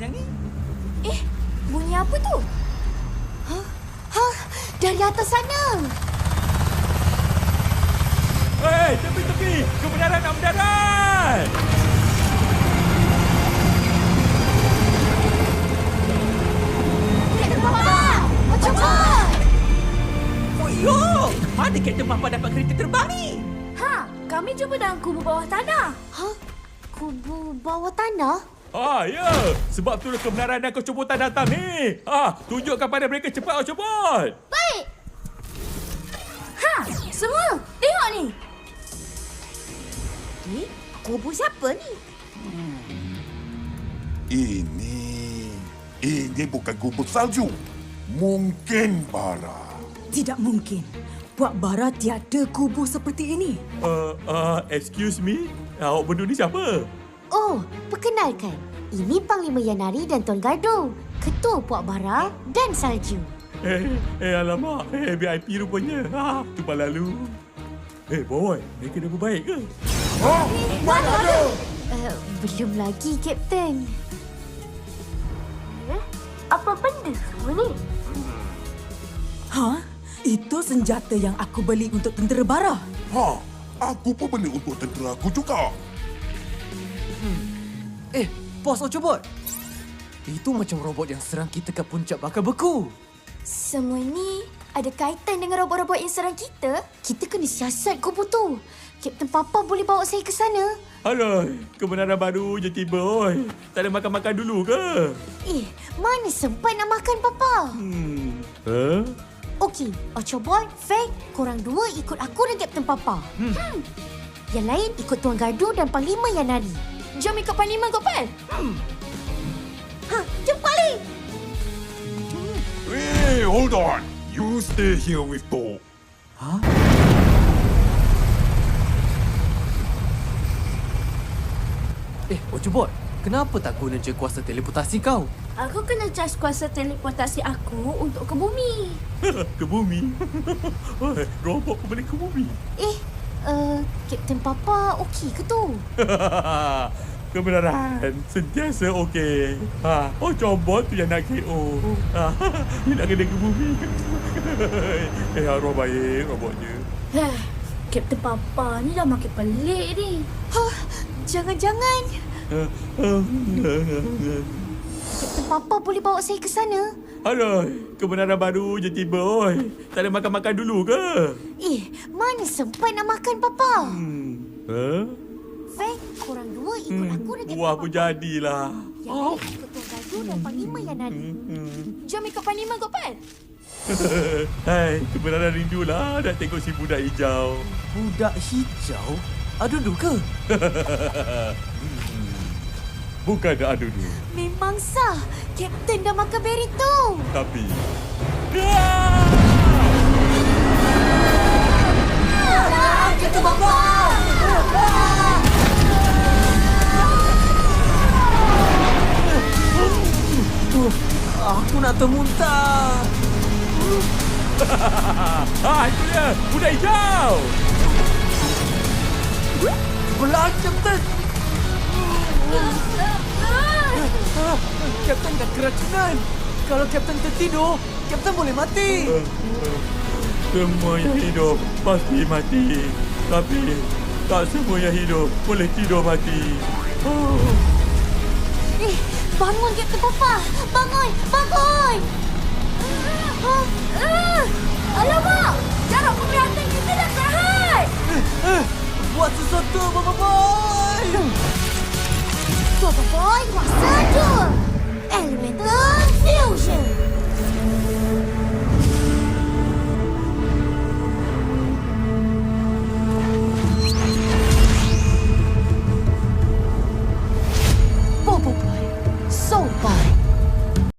yang ni? Bunyi apa tu? Dari atas sana. Hei, tepi-tepi! Kebenaran nak mendarat! Kapten Papa! Cepat! Oh, yo! Mana Kapten Papa dapat kereta terbang ni? Kami jumpa dalam kubur bawah tanah. Kubur bawah tanah? Ya. Sebab tu kebenaran dan kecobotan datang ni. Tunjukkan pada mereka cepat, Ocobot. Baik. Semua, tengok ni. Kubur siapa ni? Ini bukan kubur salju. Mungkin Bara. Tidak mungkin. Puak Bara tiada kubur seperti ini. Excuse me? Awak berdua ni siapa? Oh, perkenalkan. Ini Panglima Yanari dan Tuan Gardo. Ketua Puak Bara dan Salju. Alamak. VIP rupanya. Tumpah lalu. Boy. Mereka dah berbaik ke? Mana ada? Belum lagi, Kapten. Apa benda semua ni? Itu senjata yang aku beli untuk tentera Bara. Aku pun beli untuk tentera aku juga. Bos Ocobot. Itu macam robot yang serang kita ke puncak bakal beku. Semua ni ada kaitan dengan robot-robot yang serang kita? Kita kena siasat kubur tu. Kapten Papa boleh bawa saya ke sana? Alah, kebenaran baru je tiba, oi. Tak ada makan-makan dulu ke? Mana sempat nak makan, Papa? Okey, Ocobot, Faye, korang dua ikut aku dan Kapten Papa. Yang lain ikut Tuan Gardo dan Panglima Yanari. Jom ikut Panglima, Gopal. Jom balik. Hey, hold on. You stay here with Tok. Ocobot, kenapa tak guna je kuasa teleportasi kau? Aku kena charge kuasa teleportasi aku untuk ke bumi. Ke bumi? Robot pun boleh ke bumi? Kapten Papa okey ke tu? Kebenaran sentiasa okey. Ocobot tu yang nak KO. Dia nak kena ke bumi. Arwah baik robotnya. Kapten Papa ni dah makin pelik ni. Jangan-jangan Kapten Papa boleh bawa saya ke sana? Alah, kebenaran baru je tiba, oi. Tak ada makan-makan dulu ke? Mana sempat nak makan, Papa? Faye, korang dua ikut aku dan Kapten Buah Papa. pun jadilah. Yang lain ikut Tuan Gardo dan Panglima Yanari. Jom ikut Panglima, Gopal. Hai, kebenaran rindulah nak tengok si budak hijau. Budak hijau? Adudu ke? Bukan dah adudu. Memang sah. Kapten dah makan beri tu. Tapi... Kapten Papa! Aku nak termuntah. Itu dia! Budak hijau! Belah, Kapten! Kapten dah keracunan. Kalau Kapten tertidur, Kapten boleh mati. Semua yang hidup pasti mati. Tapi tak semua yang hidup boleh tidur mati. Bangun, Kapten Papa! Bangun! Bangun! Alamak! Jarak penglihatan kita dah terhad! Buat sesuatu, Baba Boy! Baba Boy, buat